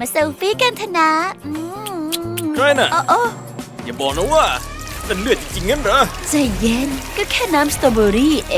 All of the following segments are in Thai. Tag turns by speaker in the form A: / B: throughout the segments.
A: มาเซลฟี่กันเถอะนะ
B: ใครน่ะ
A: โอ้
B: อย่าบอกนะว่าเป็นเลือดจริงๆงั้นเหรอ
A: ใจเย็นก็แค่น้ำสตรอเบอรี่เอง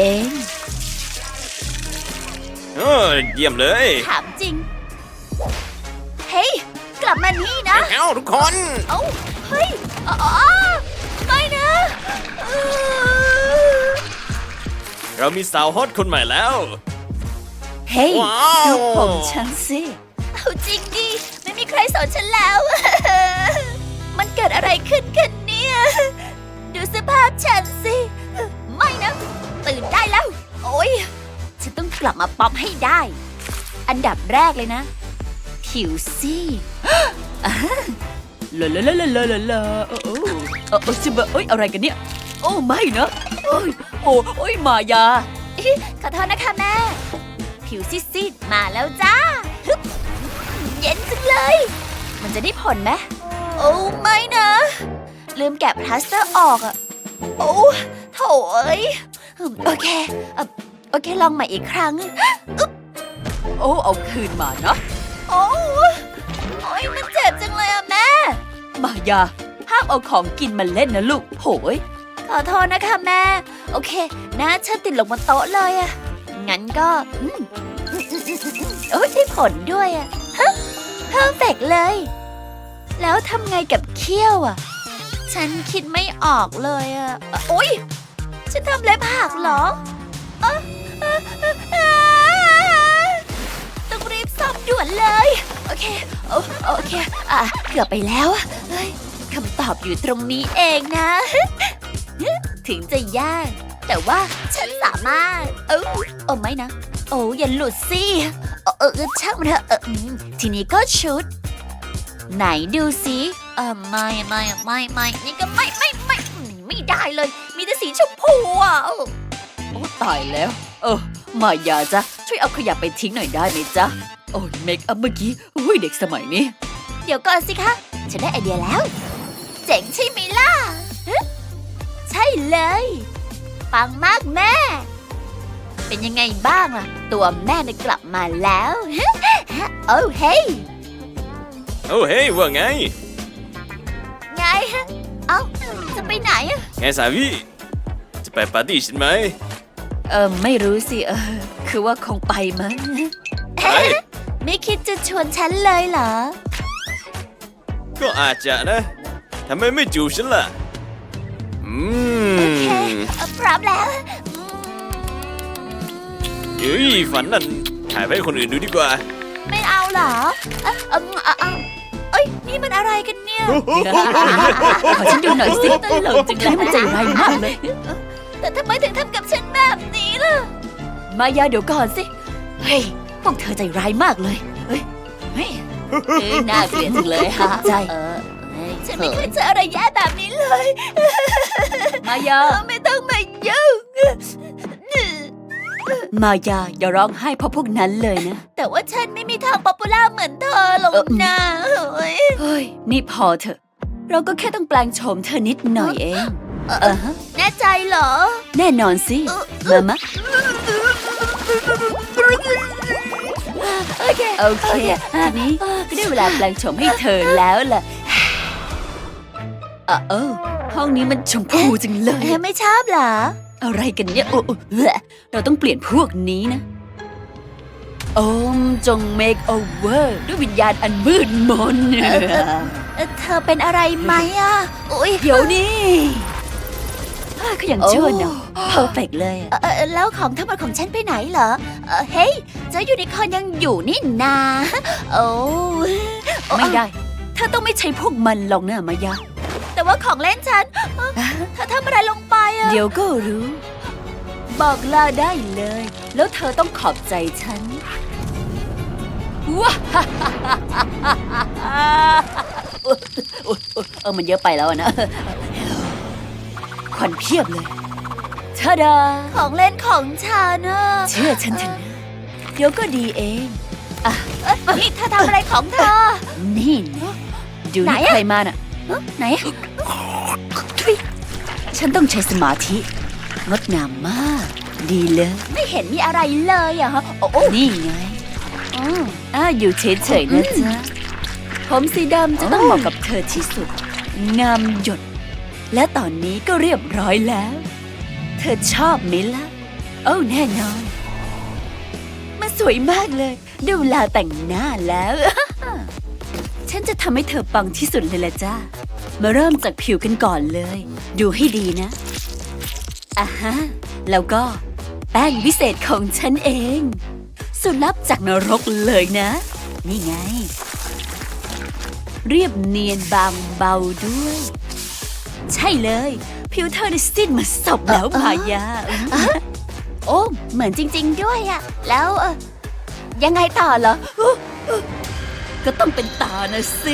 B: เยี่ยมเลย
A: ถามจริง เฮ้ย กลับมานี่นะ
B: เอ้าทุกคน
A: เอ้าเฮ้ยอ๋อไม่นะเออ
B: เรามีสาวฮอตคนใหม่แล้ว
A: เฮ้ย
B: ว้าว
A: ดูผมฉันสิ เอาจริงดิ ไม่มีใครสอนฉันแล้ว มันเกิดอะไรขึ้นกันเนี่ย ดูสภาพฉันสิ ไม่นะ ตื่นได้แล้ว โอ๊ย ฉันต้องกลับมาป๊อปให้ได้ อันดับแรกเลยนะ ผิวสิลาลาลาลาลาลาลาจิบะเอ้ยอะไรกันเนี่ย โอ้ไม่นะโอ้ยมายาขอโทษนะคะแม่ ผิวซีดๆมาแล้วจ้าฮึบเย็นจังเลย มันจะได้ผลไหมโอ้ไม่นะ ลืมแกะพลาสเตอร์ออกอะโอ้โถเอ้ยโอเคลองใหม่อีกครั้งอึ๊บโอ้เอาคืนมานะโอ้ยมันเจ็บจังเลยอะแม่มายาห้ามเอาของกินมาเล่นนะลูกโหยขอโทษนะคะแม่โอเคหน้าฉันติดลงบนโต๊ะเลยอะงั้นก็โอ้ยได้ผลด้วยอะฮะเพอร์เฟกเลย แล้วทำไงกับเขี้ยวอะฉันคิดไม่ออกเลยอะโอ๊ยฉันทำเล็บหักเหรอต้องรีบซ่อมด่วนเลยโอเคเกือบไปแล้วเฮ้ยคำตอบอยู่ตรงนี้เองนะ ถึงจะยากแต่ว่าฉันสามารถไม่นะโอ้อย่าหลุดสิช่างมันเถอะทีนี้ก็ชุดไหนดูสิไม่นี่ก็ไม่ได้เลยมีแต่สีชมพูอ่ะโอ้ตายแล้วมายาจ๊ะช่วยเอาขยะไปทิ้งหน่อยได้ไหมจ๊ะโอ้ยเมคอัพเมื่อกี้อุ้ยเด็กสมัยนี้เดี๋ยวก่อนสิคะฉันได้ไอเดียแล้วเจ๋งใช่ไหมล่ะใช่เลยปังมากแม่เป็นยังไงบ้างล่ะตัวแม่ได้กลับมาแล้วโอ้เฮ้ย
B: โอ้เฮ้ยว่าไง
A: ไงจะไปไหนอะ
B: ไงสาวีจะไปปาร์ตี้ฉันไหม
A: ไม่รู้สิคือว่าคงไปมั้ง ไม่คิดจะชวนฉันเลยเหรอ
B: ก็อาจจะนะทำไมไม่จูบฉันล่ะ
A: โอเคพร้อมแล้ว
B: เฮ้ยฝันนั่นถ่ายไปให้คนอื่นดูดีกว่า
A: ไม่เอาเหรอนี่มันอะไรกันเนี่ยขอฉันดูหน่อยสิตลกจังเลยมันใจร้ายมากเลยแต่ทำไมถึงทำกับฉันแบบนี้ล่ะมายาเดี๋ยวก่อนสิเฮ้ยพวกเธอใจร้ายมากเลยเฮ้ยน่าเกลียดจังเลยฮะใจฉันไม่เคยเจออะไรแย่แบบนี้เลยมายาไม่ต้องมายุ่งมายาอย่าร้องไห้เพราะพวกนั้นเลยนะแต่ว่าฉันไม่มีทางป๊อปปูล่าเหมือนเธอหรอกนะเฮ้ยนี่พอเถอะเราก็แค่ต้องแปลงโฉมเธอนิดหน่อยเองแน่ใจเหรอแน่นอนสิมาโอเคทีนี้ก็ได้เวลาแปลงโฉมให้เธอแล้วล่ะห้องนี้มันชมพูจังเลยไม่ชอบเหรออะไรกันเนี่ยเราต้องเปลี่ยนพวกนี้นะจง make over ด้วยวิญญาณอันมืดมนเธอเป็นอะไรไหมอ่ะเดี๋ยวนี้ก็ยังชั่วเนาะเพอร์เฟกเลยแล้วของทั้งหมดของฉันไปไหนเหรอเฮ้ยเจ้ายูนิคอร์นยังอยู่นี่นาไม่ได้เธอต้องไม่ใช้พวกมันหรอกนะมายาแต่ว่าของเล่นฉันเธอทำอะไรลงไปอะเดี๋ยวก็รู้บอกลาได้เลยแล้วเธอต้องขอบใจฉันว้ามันเยอะไปแล้วนะควันเพียบเลยทาดาของเล่นของฉันนะเชื่อฉันเถอะนะเดี๋ยวก็ดีเองนี่เธอทำอะไรของเธอนี่ดูนี่ใครมาน่ะไหนฉันต้องใช้สมาธิงดงามมากดีเลยไม่เห็นมีอะไรเลยอะฮะนี่ไงอยู่เฉยๆนะจ๊ะผมสีดำจะต้องเหมาะกับเธอที่สุด งามหยด และตอนนี้ก็เรียบร้อยแล้ว เธอชอบไหมล่ะ โอ้แน่นอน มันสวยมากเลยได้เวลาแต่งหน้าแล้ว ฉันจะทำให้เธอปังที่สุดเลยละจ้ามาเริ่มจากผิวกันก่อนเลย ดูให้ดีนะอ่ะฮะ แล้วก็แป้งวิเศษของฉันเอง สูตรลับจากนรกเลยนะ นี่ไง เรียบเนียนบางเบาด้วย ใช่เลย ผิวเธอได้สิ้นมาศพแล้วมายา โอ้เหมือนจริง ๆ ด้วยอะแล้วยังไงต่อเหรอ ก็ต้องเป็นตานะสิ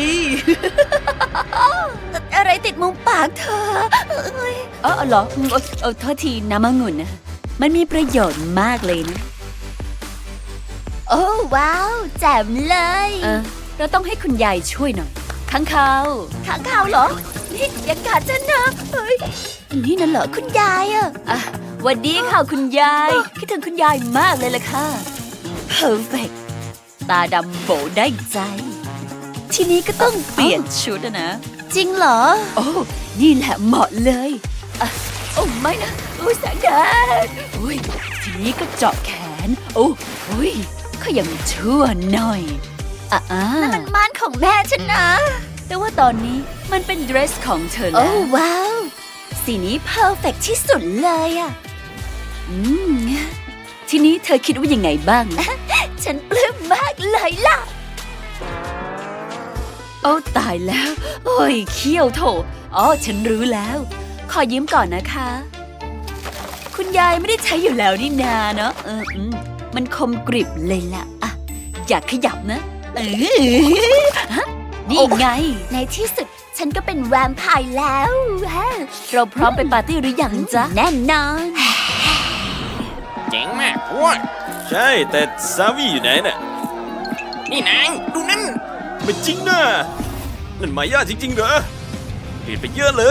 A: อะไรติดมุมปากเธอเหรอโทษทีน้ำองุ่นนะมันมีประโยชน์มากเลยนะ โอ้ว้าวแจ่มเลยเราต้องให้คุณยายช่วยหน่อยค้างคาวเหรอนี่อย่ากัดฉันนะเฮ้ยนี่นั่นเหรอคุณยายอะหวัดดีค่ะคุณยายคิดถึงคุณยายมากเลยล่ะค่ะ perfect ตาดำโบได้ใจ ทีนี้ก็ต้องเปลี่ยนชุดนะจริงเหรอโอ้นี่แหละเหมาะเลยโอ้ไม่นะโอ้แสงแดดโอ้ยทีนี้ก็เจาะแขนโอ้ยเขายังชั่วหน่อยนั่นมันม่านของแม่ฉันนะแต่ว่าตอนนี้มันเป็นเดรสของเธอแล้วโอ้ว้าวสีนี้เพอร์เฟกที่สุดเลยอะทีนี้เธอคิดว่ายังไงบ้าง ฉันปลื้มมากเลยล่ะโอ้ตายแล้วโอ้ยเขี้ยวโถฉันรู้แล้วขอยืมก่อนนะคะ คุณยายไม่ได้ใช้อยู่แล้วนี่นาเนาะมันคมกริบเลยล่ะอย่าขยับนะนี่ไงในที่สุดฉันก็เป็นแวมไพร์แล้วเราพร้อมไปปาร์ตี้หรือยังจ๊ะแน่นอน
C: เจ๋งมากพวก
B: ใช่แต่ซาวี่อยู่ไหนน่ะ
C: นี่นางดูนั่น
B: ไม่จริงนะนั่นมายาจริงๆเหรอเปลี่ยนไปเยอะเลย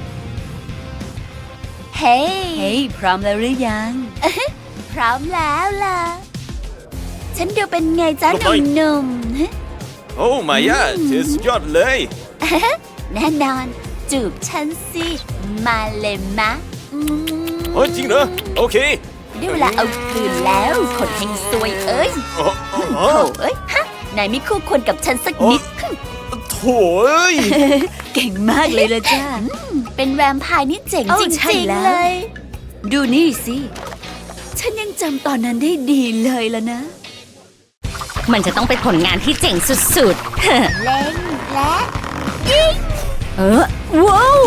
A: เฮ้ยพร้อมแล้วหรือยัง พร้อมแล้วล่ะฉันดูเป็นไงจ๊ะหนุ่มๆ
B: โอ้มายาเธอสุดยอดเลย
A: แน่นอนจูบฉันสิมาเลยมะ
B: โอ้จริงเหรอโอเค
A: ได้เวลาเอาคืนแล้วคนเฮงซวยเอ้ย
B: โอ้
A: โถ่เอ้ยนายไม่คู่ควรกับฉันสักนิด
B: โถ่เอ้ย
A: เก่งมากเลยละจ้าเป็นแวมไพร์นี่เจ๋งจริงๆเลย ดูนี่สิฉันยังจำตอนนั้นได้ดีเลยละนะ
D: มันจะต้องเป็นผลงานที่เจ๋งสุดๆ
A: เล่นและยิง
D: ว้าว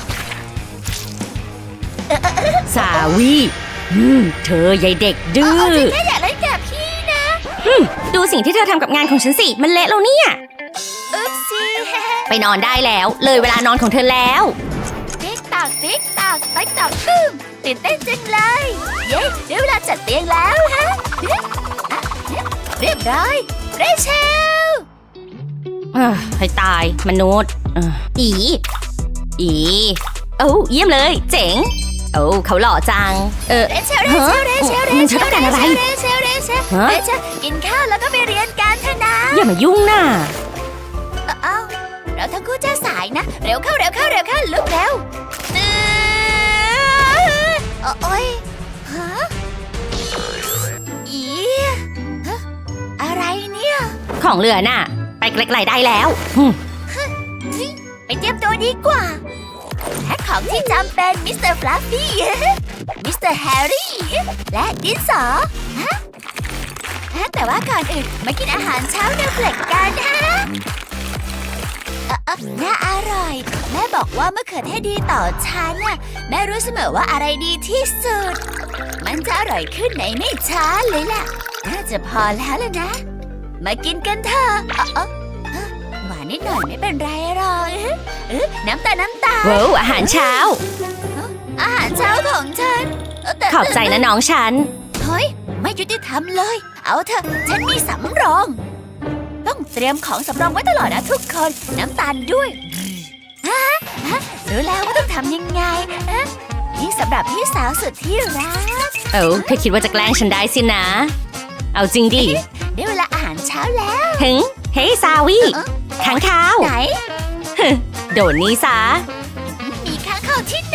D: สาวีเธอยายเด็กดื้อ
A: จริงแค่อยากเล่นกับพี่นะ
D: ดูสิ่งที่เธอทำกับงานของฉันสิ มันเละแล้วเนี่ย
A: อุ๊บซี่
D: ไปนอนได้แล้ว เลยเวลานอนของเธอแล้ว
A: ติ๊กตอกติ๊กตอกติ๊กตอกตึ้มตื่นเต้นจังเลยเย้ได้เวลาจัดเตียงแล้วฮะเรียบร้อยเรเชล
D: ให้ตายมนุษย์อีโอ้เยี่ยมเลย เจ๋ง โอ้เขาหล่อจัง
A: เรเชล
D: มันจะต้องการอะไร
A: เรเชลกินข้าวแล้วก็ไปเรียนกันเถอะนะ
D: อย่ามายุ่งน่ะ
A: เราทั้งคู่จะสายนะเร็วเข้าลุกเร็วโอ๊ยฮะอีฮะอะไรเนี่ย
D: ของเหลือน่ะ ไปไกลๆได้แล้ว
A: ไปเตรียมตัวดีกว่าแพ็คของที่จำเป็นมิสเตอร์ฟลัฟฟี่ มิสเตอร์แฮร์รี่ และดินสอแต่ว่าก่อนอื่นมากินอาหารเช้าเนวเฟลกกันฮะน่าอร่อย แม่บอกว่าเมื่อเขือเทศดีต่อฉันน่ะแม่รู้เสมอว่าอะไรดีที่สุด มันจะอร่อยขึ้นในไม่ช้าเลยล่ะ น่าจะพอแล้วล่ะนะ มากินกันเถอะหวานนิดหน่อยไม่เป็นไรหรอกน้ำตาล
D: ว้าวอาหารเช้า
A: อาหารเช้าของฉันแต่
D: ขอบใจนะน้องฉัน
A: เฮ้ยไม่ยุติธรรมเลย เอาเถอะฉันมีสำรอง ต้องเตรียมของสำรองไว้ตลอดนะทุกคนน้ำตาลด้วยรู้แล้วว่าต้องทำยังไงนี่สำหรับพี่สาวสุดที่รัก
D: เธอคิดว่าจะแกล้งฉันได้สินะ เอาจริงดิ
A: ได้เวลาอาหารเช้าแล้ว
D: เฮ้ยซาวี
A: ฮ
D: ค้างคาว
A: ไหน
D: โดนนี้ซะ
A: มีค้างคาวที่ไหน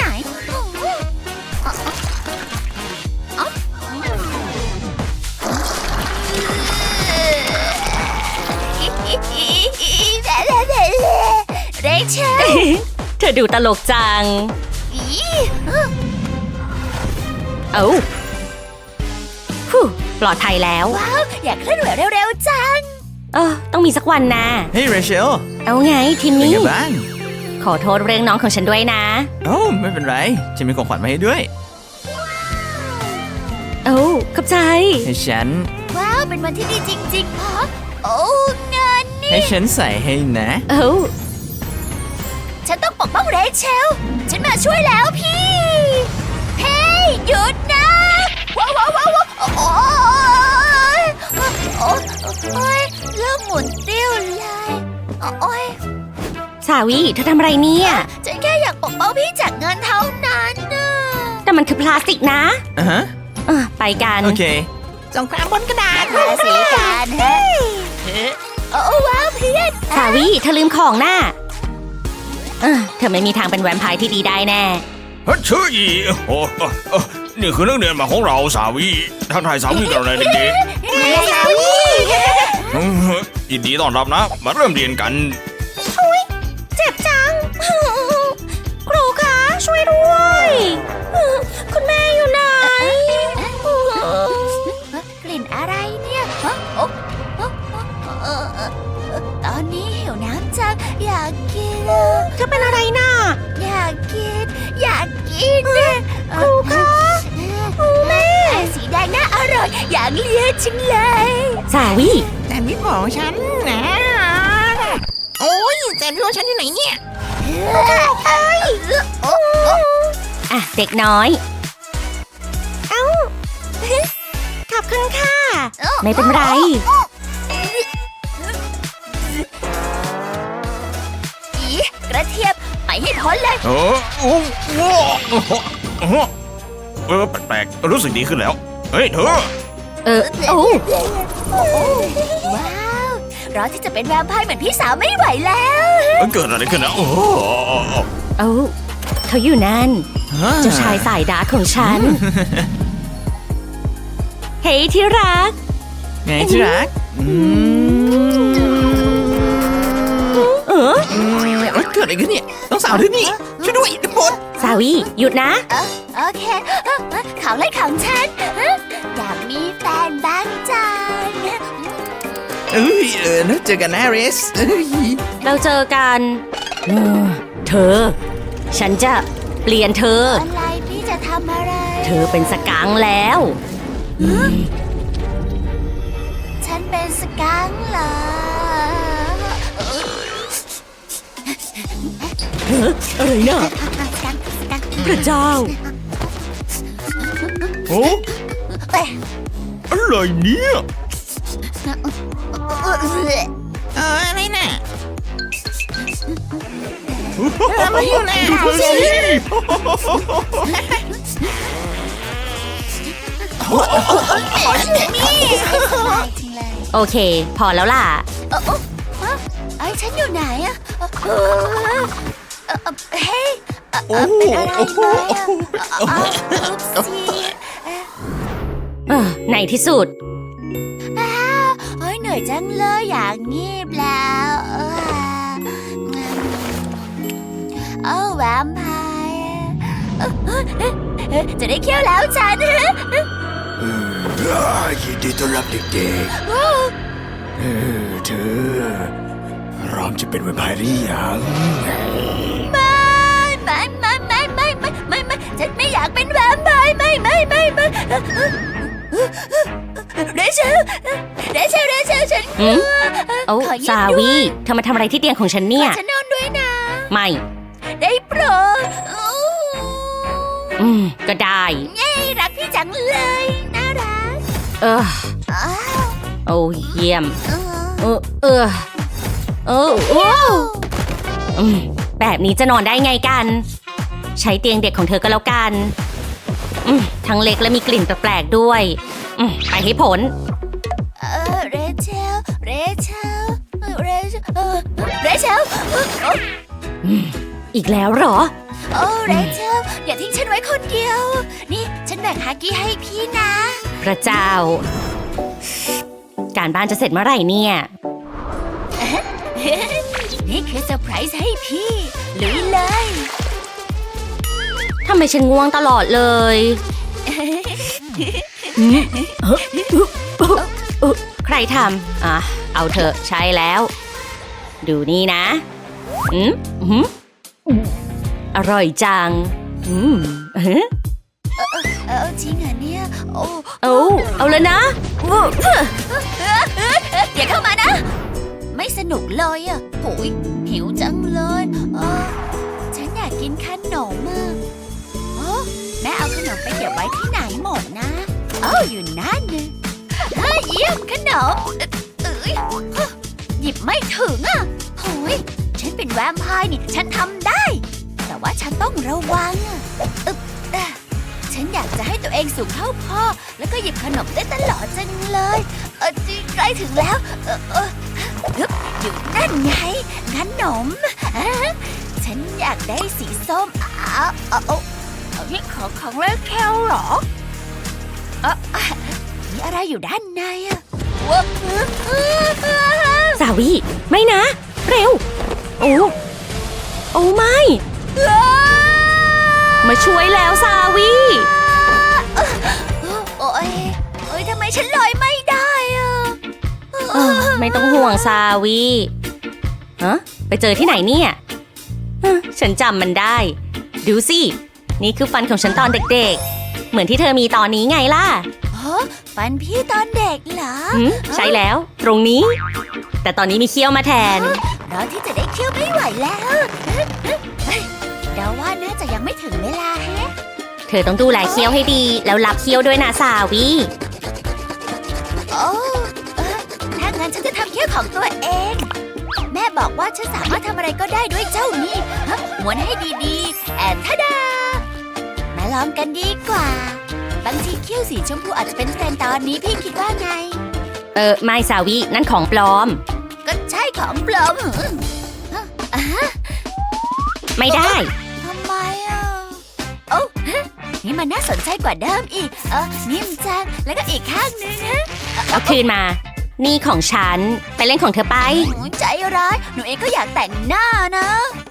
A: เรเชล
D: เธอดูตลกจัง เอ้าฮู้ปลอดภัยแล้ว
A: ว้าว อยากเคลื่อนไหวเร็วๆจัง
D: ต้องมีสักวันนะ
B: เฮ้ยเรเชล
D: เอาไงทีม
B: เป็น
D: นี้
B: ไงบ้าง
D: ขอโทษเรื่องน้องของฉันด้วยนะ
B: โอ้ไม่เป็นไรฉันมีของขวัญมาให้ด้วย
D: เอ้าขอบใจ
B: ให้ฉัน
A: ว้าว เป็นวันที่ดีจริงๆฮะโอ้งานนี่
B: ให้ฉันใส่ให้นะ
D: เอ้า
A: ฉันต้องปกป้องเรเชล ฉันมาช่วยแล้วพี่ เฮ้ย หยุดนะ ว้าวว้าวว้าวโอ้ยโอ้ยเริ่มหมุนติ้วเลยโอ้ย
D: สาวีเธอทำอะไรเนี่ย
A: ฉันแค่อยากปกป้องพี่จากเงินเท่านั้นนะ
D: แต่มันคือพลาสติกนะ
B: อ่ะฮะ
D: ไปกัน
B: โอเค
C: สงครามบนกระดาษ
A: ราศีกันฮะโอ้ว้าวเพื่อน
D: สาวีเธอลืมของน่ะเธอไม่มีทางเป็นแวมไพร์ที่ดีได้แน่
E: เฮ้ยชื่ออีโอ้นี่คือนักเรียนใหม่ของเราสาวีทักทายสาวีกันเลยเด็ก
A: สาวี
E: ๆยินดีต้อนรับนะ มาเริ่มเรียนกัน
D: เจ็บจัง ครูคะช่วยด้วย คุณแม่อยู่ไหน
A: กลิ่นอะไรเนี่ยตอนนี้หิวน้ำจังอยากกิน
D: เธอเป็นอะไรน่ะ
A: อยากกิน อยากกิน
D: ครูคะแม่
A: สีแดงน่าอร่อย อยากเลียจังเลย
D: สาวี
C: แซนด์วิชของฉันนะโอ้ยแซนด์วิชของฉันอยู่ไหนเนี่ย
D: อ่ะเด็กน้อย เอ้า ขอบคุณค่ะ ไม่เป็นไร
A: อีกระเทียมไปให้พ้นเลย
E: แปลกๆรู้สึกดีขึ้นแล้ว เฮ้ยเธอ
D: โอ้
A: ว้าวรอที่จะเป็นแวมไพร์เหมือนพี่สาวไม่ไหวแล้ว
E: เกิดอะไรขึ้นนะโอ้
D: เอ้าเขาอยู่นั่น เจ้าชายสายดาร์กของฉัน เฮ้ยที่รัก
B: ไงที่รัก
C: เกิดอะไรขึ้นเนี่ยต้องสาวที่นี่ช่วยด้วยทุกคน
D: สาวีหยุดนะ
A: โอเคของเล่นของฉัน อยากมีแฟนบ้างจัง
C: แล้วเจอกันนะเรส
D: เราเจอกันเธอ ฉันจะเปลี่ยนเธอ
A: อะไรพี่จะทำอะไร
D: เธอเป็นสกังค์แล้ว
A: ฉันเป็นสกังค์เหรอ
D: อะไรน่ะ พระเจ้า
E: โอ้อะไรเนี่ย
C: อะไรน่ะมาอยู่ไหน
E: ดูเธอสิ
D: โอเค พอแล้วล่ะ
A: ไอ้ฉันอยู่ไหนอะเฮ้ยเป็นอะไรไหมอะซี
D: ในที่สุด
A: เฮ้ยเหนื่อยจังเลยอยากงีบแล้วแวมไพร์จะได้เคี้ยวแล้วฉัน
E: ยินดีต้อนรับเด็กๆเธอพร้อมจะเป็นแวมไพร์หรือยัง
A: ไม่ฉันไม่อยากเป็นแวมไพร์ไม่เรเชลฉัน
D: หืม โอ้
A: ขอยืม
D: สา
A: ด้ว
D: วี
A: ย
D: เธอมาทำอะไรที่เตียงของฉันเนี่ย
A: ฉันนอนด้วยนะ
D: ไม่
A: ได้โปรด
D: ก็ได้
A: เย้รักพี่จังเลยน่ารัก
D: เออ
A: อ้าว
D: โอ้เยี่ยม
A: เออ
D: แบบนี้จะนอนได้ไงกัน ใช้เตียงเด็กของเธอก็แล้วกันทั้งเล็กและมีกลิ่นแปลกๆด้วยไปให้ผล
A: เรเชล
D: อีกแล้วเหรอ
A: โอ้เรเชลอย่าทิ้งฉันไว้คนเดียว นี่ฉันแบ่งฮากี้ให้พี่นะ
D: พระเจ้า การบ้านจะเสร็จเมื่อไหร่เนี่ย
A: นี่คือเซอร์ไพรส์ให้พี่ลุยเลย
D: ทำไมฉันง่วงตลอดเลยใครทำเอาเถอะใช่แล้ว ดูนี่นะอร่อยจัง
A: จริงเหรอเนี่ย
D: เอาเลยนะ
A: อย่าเข้ามานะ ไม่สนุกเลยอ่ะโหยหิวจังเลยฉันอยากกินขนมแม่เอาขนมไปเก็บไว้ที่ไหนหมดนะอยู่นั่นเลยเยี่ยมขนมหยิบไม่ถึงอ่ะโหยฉันเป็นแวมไพร์นี่ฉันทำได้ แต่ว่าฉันต้องระวังฉันอยากจะให้ตัวเองสูงเท่าพ่อแล้วก็หยิบขนมได้ตลอดจังเลยใกล้ถึงแล้วอยู่นั่นไงขนมฉันอยากได้สีส้มนี่ของเรคเคลเหรอมีอะไรอยู่ด้านในอะ
D: สาวีไม่นะ เร็ว โอ้ไม่มาช่วยแล้วสาวี
A: โอ้ยทำไมฉันลอยไม่ได้อะ
D: ไม่ต้องห่วงสาวีไปเจอที่ไหนเนี่ยฉันจำมันได้ ดูสิ นี่คือฟันของฉันตอนเด็กๆเหมือนที่เธอมีตอนนี้ไงล่ะ
A: ฟันพี่ตอนเด็กเหรอ
D: ใช่แล้วตรงนี้ แต่ตอนนี้มีเขี้ยวมาแทน
A: รอที่จะได้เขี้ยวไม่ไหวแล้วเดาว่าน่าจะยังไม่ถึงเวลาแฮะ
D: เธอต้องดูแลเขี้ยวให้ดีแล้วรับเขี้ยวด้วยนะสาวี
A: ถ้างั้นฉันจะทำเขี้ยวของตัวเองแม่บอกว่าฉันสามารถทำอะไรก็ได้ด้วยเจ้านี่ม้วนให้ดีๆทะดามาลองกันดีกว่าบางทีเขี้ยวสีชมพูอาจจะเป็นเทรนด์ตอนนี้พี่คิดว่าไง
D: ไม่สาวีนั่นของปลอม
A: ก็ใช่ของปลอม
D: ไม่ได้
A: ทำไมนี่มันน่าสนใจกว่าเดิมอีกนิ่มจังแล้วก็อีกข้างนึง
D: เอาคืนมานี่ของฉันไปเล่นของเธอไป
A: ใจร้ายหนูเองก็อยากแต่งหน้านะ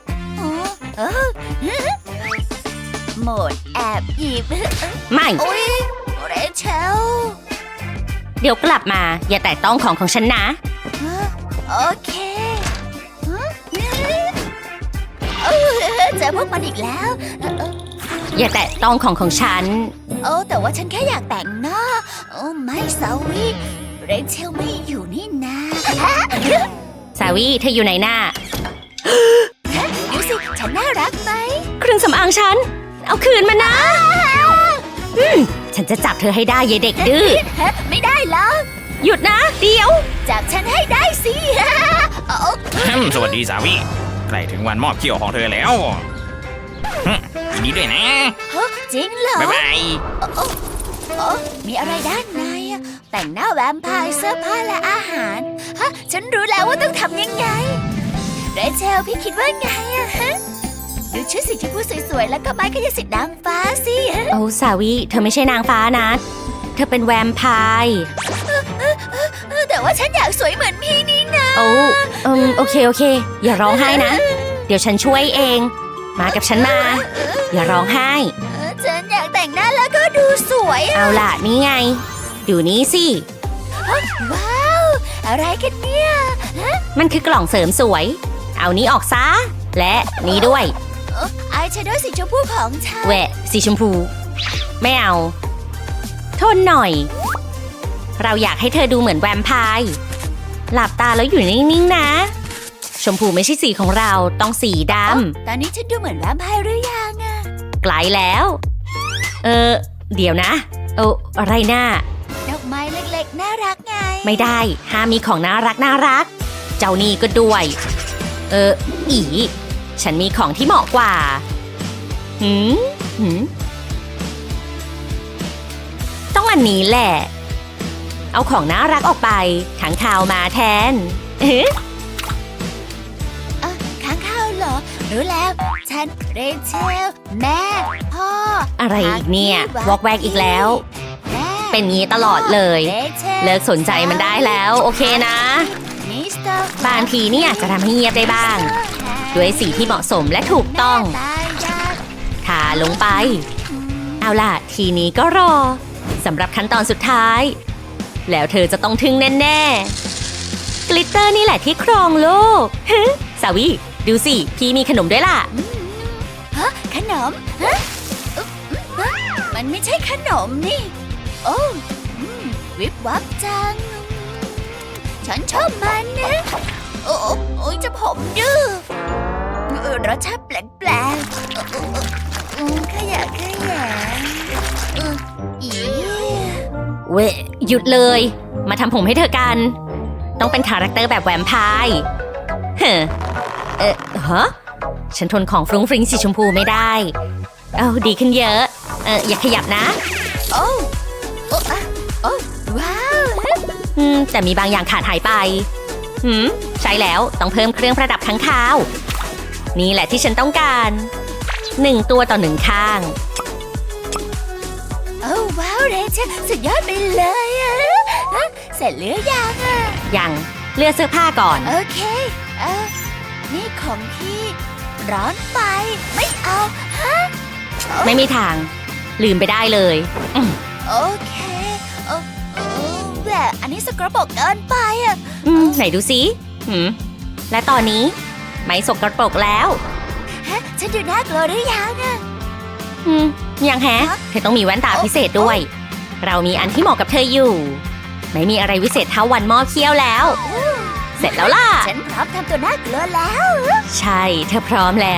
A: โหมดแอบหยิบ
D: ไม่
A: โอ้ยเรเชล
D: เดี๋ยวกลับมาอย่าแตะต้องของฉันนะ
A: โอเคเจอพวกมันอีกแล้ว
D: อย่าแตะต้องของฉัน
A: แต่ว่าฉันแค่อยากแต่งหน้าไม่สาวีเรเชลไม่อยู่นี่นะ
D: สาวีเธออยู่ไหนหน้า
A: ดูสิฉันน่ารักไหม
D: เครื่องสำอางฉันเอาคืนมานะฉันจะจับเธอให้ได้ยายเด็กดื้อ
A: ไม่ได้แล้ว
D: หยุดนะเดี๋ยว
A: จับฉันให้ได้สิ
E: สวัสดีสาวีใกล้ถึงวันมอบเขี้ยวของเธอแล้วยินดีด้วยนะ
A: จริงเหรอ
E: บ๊ายบาย
A: มีอะไรด้านในแต่งหน้าแวมไพร์เสื้อผ้าและอาหารฉันรู้แล้วว่าต้องทำยังไงเรเชลพี่คิดว่าไงดูชุดสีชมพูสวยๆแล้วก็ไม้กายสิทธิ์นางฟ้าสิ
D: สาวีเธอไม่ใช่นางฟ้านะเธอเป็นแวมไพร์
A: แต่ว่าฉันอยากสวยเหมือนพี่นี่นะ
D: โอเคอย่าร้องไห้นะเดี๋ยวฉันช่วยเองมากับฉันมาอย่าร้องไห้
A: ฉันอยากแต่งหน้าแล้วก็ดูสวย
D: เอาล่ะนี่ไงดูนี่สิ
A: ว้าวอะไรกันเนี่ย
D: มันคือกล่องเสริมสวยเอานี้ออกซะและนี้ด้วย
A: อายแชโดว์สีชมพูของฉัน
D: แหวะสีชมพูไม่เอาทนหน่อยเราอยากให้เธอดูเหมือนแวมไพร์หลับตาแล้วอยู่นิ่งๆนะชมพูไม่ใช่สีของเราต้องสีด
A: ำตอนนี้ฉันดูเหมือนแวมไพร์หรือยัง
D: ไกลแล้วเดี๋ยวนะอะไรน่า
A: ดอกไม้เล็กๆน่ารักไง
D: ไม่ได้ห้ามมีของน่ารักเจ้านี่ก็ด้วยฉันมีของที่เหมาะกว่าต้องอันนี้แหละเอาของน่ารักออกไปขังคาวมาแทน
A: ค้างคาวเหรอเรรู้แล้ว ฉันเรเชล แม่ พ่อ
D: อะไรอีกเนี่ย วอกแวกอีกแล้ว
A: แม่
D: เป็นงี้ตลอดเลย
A: เรชล
D: เลิกสนใจมันได้แล้ว โอเคนะ
A: มิสเตอร์
D: บางทีเนี่ยจะทำให้เงียบได้บ้าง ด้วยสีที่เหมาะสมและถูกต้อง
A: ตายยาก
D: ทาลงไป เอาล่ะ ทีนี้ก็รอสำหรับขั้นตอนสุดท้าย แล้วเธอจะต้องทึ่งแน่ๆ กลิตเตอร์นี่แหละที่ครองโลก สาวีดูสิ พี่มีขนมด้วยล่ะ
A: ฮะขนมฮะฮะมันไม่ใช่ขนมนี่ โอ้วิบวับจัง ฉันชอบมันนะโอ้ยจะผมดื้อรสชาติแปลกๆขยะอี
D: เว้ยหยุดเลย มาทำผมให้เธอกัน ต้องเป็นคาแรคเตอร์แบบแวมไพร์เฮ้ฮะฉันทนของฟรุ้งฟริ้งสีชมพูไม่ได้ เอาดีขึ้นเยอะ อย่าขยับนะ
A: โอ้ว้าว
D: แต่มีบางอย่างขาดหายไปใช่แล้วต้องเพิ่มเครื่องประดับข้างคาว นี่แหละที่ฉันต้องการ1 ตัวต่อ 1 ข้าง
A: โอ้ว้าวเรเชลสุดยอดไปเลยอะเสร็จหรือยังอะ
D: ยังเลือกเสื้อผ้าก่อน
A: โอเคนี่ของพี่ร้อนไปไม่เอาฮะ
D: ไม่มีทาง ลืมไปได้เลย
A: โอเคแบบอันนี้สกปรกเกินไปอะ
D: ไหนดูสิและตอนนี้ไม่สกปรกแล้ว
A: ฮะฉันดูน่ากลัวหรือยังอะ
D: ยังแฮะ เธอต้องมีแว่นตาพิเศษด้วย เรามีอันที่เหมาะกับเธออยู่ ไม่มีอะไรวิเศษเท่าวันหม้อเคี้ยวแล้ว เสร็จแล้วล่ะ
A: ฉันพร้อมทำตัวน่ากลัวแล้ว
D: ใช่ เธอพร้อมแล้ว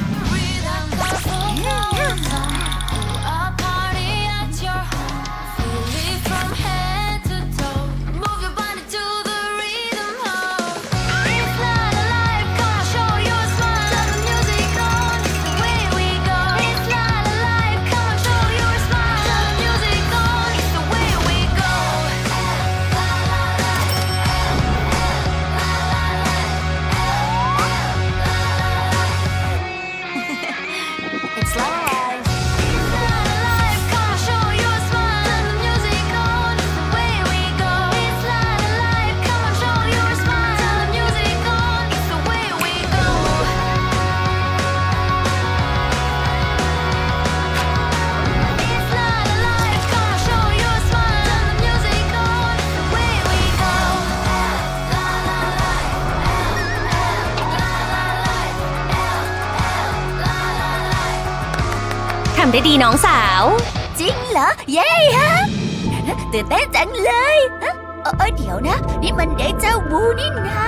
A: It's live
D: ทำได้ดีน้องสาว
A: จริงเหรอ เย้ฮะตื่นเต้นจังเลยฮะเดี๋ยวนะ นี่มันเดจาวูนี่นะ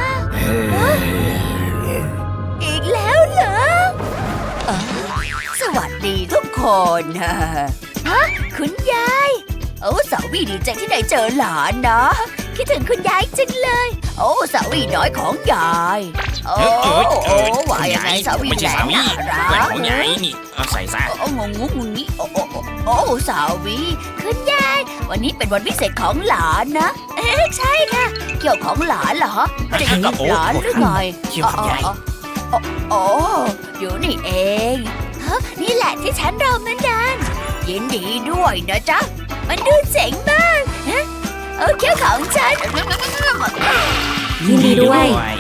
A: อีกแล้วเหรอสวัสดีทุกคนฮะคุณยายสาวีดีใจที่ได้เจอหลานนะคิดถึงคุณยายจังเลยสาวีน้อยของยายว่ายังไงสาวี
E: ไม่ใช่สาวี
A: น่า
E: เพื่อน
A: รัก
E: ของยายนี่เอาใส่ซะ
A: งงงี้สาวีคุณยายวันนี้เป็นวันพิเศษของหลานนะใช่ค่ะเกี่ยวของหลานเหรอไม่ได้เกี่ยวกับหลานหรือไง
E: เกี่ยวกับยาย
A: อยู่นี่เองนี่แหละที่ฉันรอมานานยินดีด้วยนะจ๊ะมันดูเจ๋งมากเกี่ยวของฉัน
D: ยินดีด้วย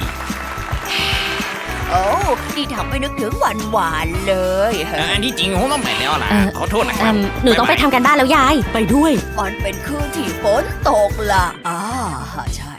A: นี่ทำให้นึกถึงวันหวานเลย
E: อันที่จริงผมต้องไปแล้วล่ะ ขอโทษนะครับ
D: หนูต้องไปทำกันบ้านแล้วยาย ไปด้วย
A: มันเป็นคืนที่ฝนตกล่ะใช่